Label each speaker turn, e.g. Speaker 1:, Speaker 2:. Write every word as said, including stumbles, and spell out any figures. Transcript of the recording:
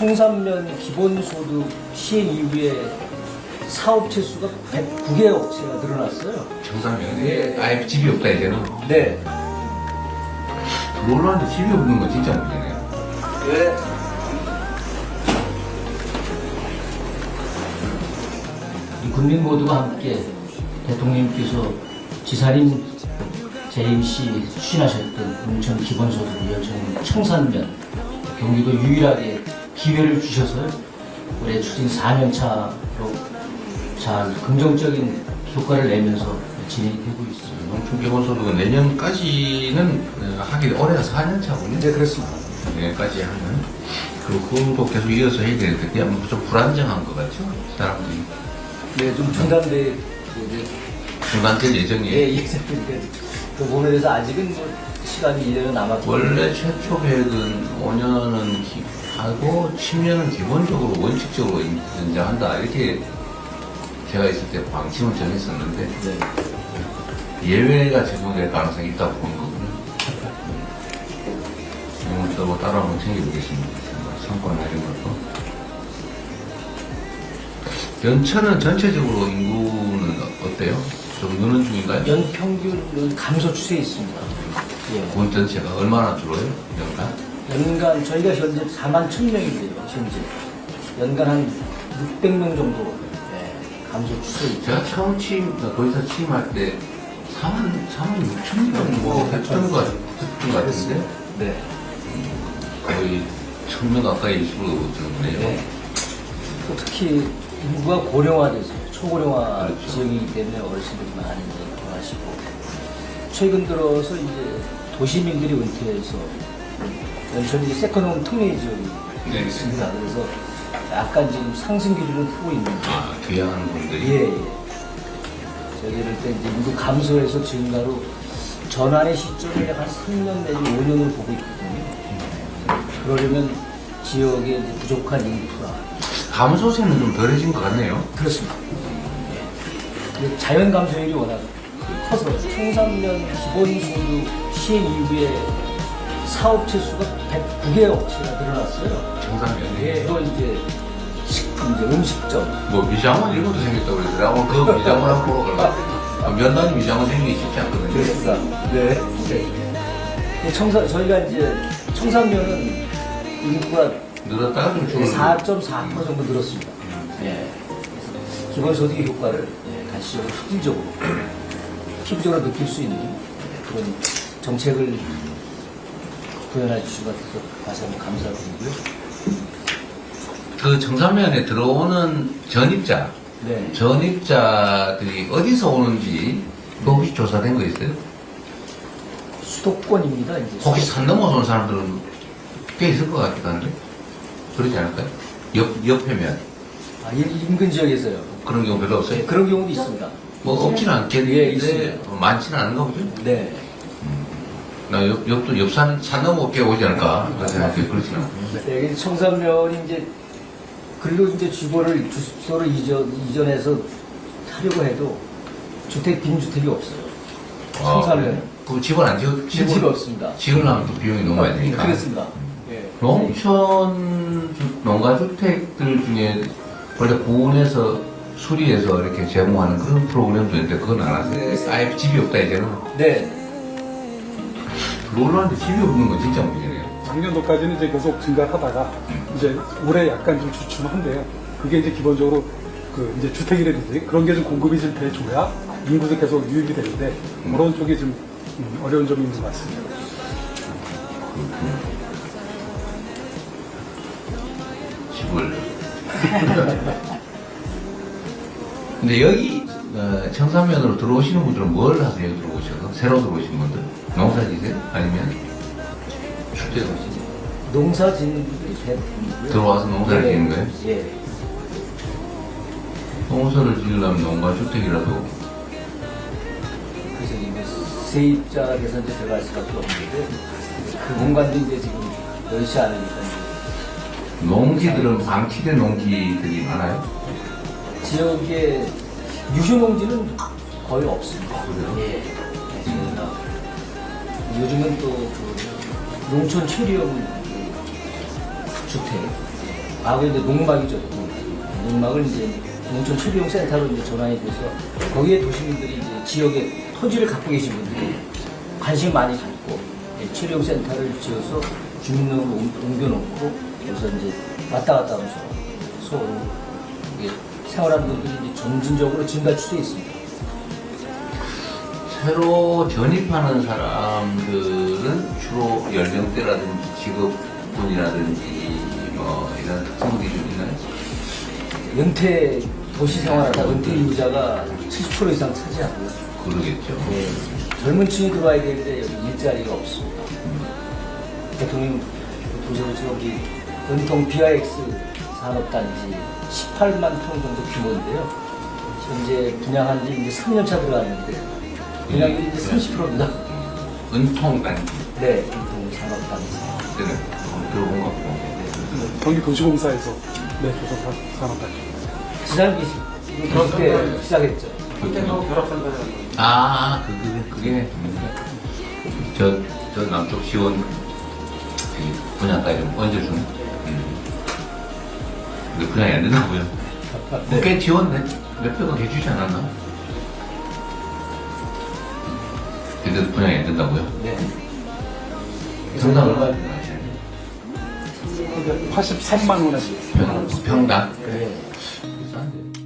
Speaker 1: 청산면 기본소득 시행 이후에 사업체 수가 백구 개 업체가 늘어났어요.
Speaker 2: 청산면에
Speaker 1: 네.
Speaker 2: 아예 집이 없다 이제는.
Speaker 1: 네.
Speaker 2: 롤러한테 집이 없는 건 진짜 문제네요.
Speaker 1: 네. 이 국민 모두가 함께 대통령님께서 지사님 재임 시 추진하셨던 농촌 기본소득 위원청 청산면 경기도 유일하게 기회를 주셔서 올해 추진 사 년 차로 잘 긍정적인 효과를 내면서 진행이 되고 있습니다.
Speaker 2: 농촌 기본소득은 내년까지는 어, 하기 올해가 사 년 차군요.
Speaker 1: 네, 그렇습니다.
Speaker 2: 내년까지 하면. 그리고 그것도 계속 이어서 해야 되는데 그냥 좀 불안정한 것 같죠? 사람들이.
Speaker 1: 네, 좀 중단돼 이제
Speaker 2: 중단될 예정이에요.
Speaker 1: 예, 예상인데 그 부분에 대해서 아직은 뭐 시간이 일 년은 남았기 때문에
Speaker 2: 원래 최초 계획은 오 년은 기, 하고 십 년은 기본적으로 원칙적으로 연장한다 이렇게 제가 있을 때 방침을 정했었는데
Speaker 1: 네.
Speaker 2: 예외가 적용될 가능성이 있다고 보는 거군요. 이건 또 따로 한번 챙겨보겠습니다. 상권이나 이런 것도. 연천은 전체적으로 인구는 어때요? 좀 느는 중인가요?
Speaker 1: 연평균 감소 추세에 있습니다. 예.
Speaker 2: 군 전체가 얼마나 줄어요? 연간?
Speaker 1: 연간 저희가 현재 사만 천 명인데요. 현재 연간 한 육백 명 정도 예, 감소 추세에 있죠.
Speaker 2: 제가 처음 취임, 거기서 취임할 때 사만, 사만 육천 명 뭐 했던 것, 같- 했던 것 같은데
Speaker 1: 네.
Speaker 2: 거의 천 명 가까이 줄어들었네요.
Speaker 1: 네. 또 특히 인구가 고령화돼서 초고령화
Speaker 2: 그렇죠.
Speaker 1: 지역이기 때문에 어르신들이 많이 이제 돌아가시고 최근 들어서 이제 도시민들이 은퇴해서 연천이 이제 세컨홈 특례 지역이
Speaker 2: 네.
Speaker 1: 있습니다. 그래서 약간 지금 상승 기류를 타고 있는데
Speaker 2: 아, 귀향하는 분들이.
Speaker 1: 예, 예. 저희들 때 이제 인구 감소에서 증가로 전환의 시점을 약 한 삼 년 내지 오 년으로 보고 있거든요. 그러려면 지역에 이제 부족한 인프라.
Speaker 2: 감소세는 좀 덜해진 것 같네요.
Speaker 1: 그렇습니다. 예. 자연 감소율이 워낙 커서 청산면 기본소득 시행 이후에 사업체 수가 백구 개 업체가 늘어났어요.
Speaker 2: 청산면에.
Speaker 1: 예, 또 이제 식품, 이제 음식점.
Speaker 2: 뭐 미장원 이런 것도 생겼다고 그러더라고요. 그 미장원 한번 보러 가려고. 면단위 미장원 생기기 쉽지 않거든요.
Speaker 1: 그렇습니다. 네. 네. 청산, 저희가 이제 청산면은 인구가
Speaker 2: 늘었다가 좀 줄어들고.
Speaker 1: 사 점 사 퍼센트 정도 늘었습니다. 예. 그래서 기본소득의 효과를 예, 가시적으로 실질적으로 피부적으로 느낄 수 있는 그런 정책을 구현해 주신 것 같아서 다시 한번 감사드리고요.
Speaker 2: 그 청산면에 들어오는 전입자,
Speaker 1: 네.
Speaker 2: 전입자들이 어디서 오는지 그거 혹시 조사된 거 있어요?
Speaker 1: 수도권입니다. 이제
Speaker 2: 혹시 산 넘어서 온 사람들은 꽤 있을 것 같기도 한데 그러지 않을까요? 옆, 옆에면
Speaker 1: 아, 이- 인근 지역에서요.
Speaker 2: 그런 경우 별로 없어요?
Speaker 1: 네, 그런 경우도 있습니다.
Speaker 2: 뭐 없지는
Speaker 1: 예,
Speaker 2: 않겠는데
Speaker 1: 있습니다.
Speaker 2: 어, 많지는 않은가 보죠?
Speaker 1: 네.
Speaker 2: 나 옆, 옆도 옆산 산 넘어 꽤 오지 않을까 그런 생각이 그렇지는 않고
Speaker 1: 네, 여기 청산면이 이제 글로 이제 주거를 주소를 이전 이전해서 하려고 해도 주택 빈주택이 없어요. 청산면
Speaker 2: 그 집을 안 지어
Speaker 1: 집이 없습니다.
Speaker 2: 지으려면 또 비용이 너무 많이 드니까
Speaker 1: 그렇습니다. 예.
Speaker 2: 농촌 주- 농가주택들 중에 원래 구원해서 수리해서 이렇게 제공하는 그런 프로그램도 있는데 그건 안 하세요?
Speaker 1: 네.
Speaker 2: 아예 집이 없다 이제는
Speaker 1: 네.
Speaker 2: 롤러한테 집이 없는 건 진짜 문제네요.
Speaker 3: 작년도까지는 이제 계속 증가하다가 이제 올해 약간 좀 주춤한데요. 그게 이제 기본적으로 그 이제 주택이라든지 그런 게 좀 공급이 좀 돼줘야 인구도 계속 유입이 되는데 그런 쪽이 좀 음, 어려운 점이 있는 것 같습니다.
Speaker 2: 집을. 근데 여기 어, 청산면으로 들어오시는 분들은 뭘 하세요? 들어오셔서 새로 들어오신 분들 농사지세요? 아니면 축제 오시죠?
Speaker 1: 농사 짓는 분들이 대부분이고요.
Speaker 2: 들어와서 농사를
Speaker 1: 예.
Speaker 2: 짓는 거예요?
Speaker 1: 예.
Speaker 2: 농사를 지으려면 농가주택이라도
Speaker 1: 그래서 이제 세입자에서 이제 들어갈 수밖에 없는데 그 공간도 이제 지금 넓지 않으니까 이제
Speaker 2: 농지들은 방치된 농지들이 많아요?
Speaker 1: 지역에 유휴농지는 거의 없습니다.
Speaker 2: 그래요?
Speaker 1: 예. 네, 저희가 요즘은 또 그 농촌 체리형 그 주택 과거에 이제 농막이죠. 농막을 이제 농촌 체류용 센터로 이제 전환이 돼서 거기에 도시민들이 이제 지역에 토지를 갖고 계신 분들이 관심 많이 갖고 체류용 센터를 지어서 주민등록을 옮- 옮겨놓고 그래서 이제 왔다 갔다 하면서 서로 이게 생활하는 분들이 이제 점진적으로 증가 추세에 있습니다.
Speaker 2: 새로 전입하는 사람들은 주로 연령대라든지 직업군이라든지 뭐 이런 특성들이 좀 있나요?
Speaker 1: 은퇴 도시 생활하다 은퇴 인구자가 칠십 퍼센트 이상 차지하고요.
Speaker 2: 그러겠죠.
Speaker 1: 네, 젊은 층이 들어와야 되는데 여기 일자리가 없습니다. 대통령 보시면 지금 우리 은통 비아이엑스 산업단지 십팔만 평 정도 규모인데요. 현재 분양한 지 이제 삼 년 차 들어갔는데 분양률이 이제 삼십 퍼센트입니다.
Speaker 2: 은통단지
Speaker 1: 네, 은통 산업단지.
Speaker 2: 때는 들어본 것 같고.
Speaker 3: 경기도시공사에서 네, 조선 산업단지.
Speaker 1: 지상기 그때 시작했죠.
Speaker 2: 아, 그, 그게, 그게, 저, 저 남쪽 지원 그 분야까지 좀 얹어주는. 음. 근데 분양이 안 된다고요?
Speaker 1: 네.
Speaker 2: 꽤 지원네. 몇 백억 해주지 않았나? 근데 분양이 안 된다고요?
Speaker 1: 네.
Speaker 2: 평당 얼마 분양하시나요?
Speaker 3: 팔십삼만 원에
Speaker 2: 평, 평당?
Speaker 1: 네.
Speaker 2: 비싼데.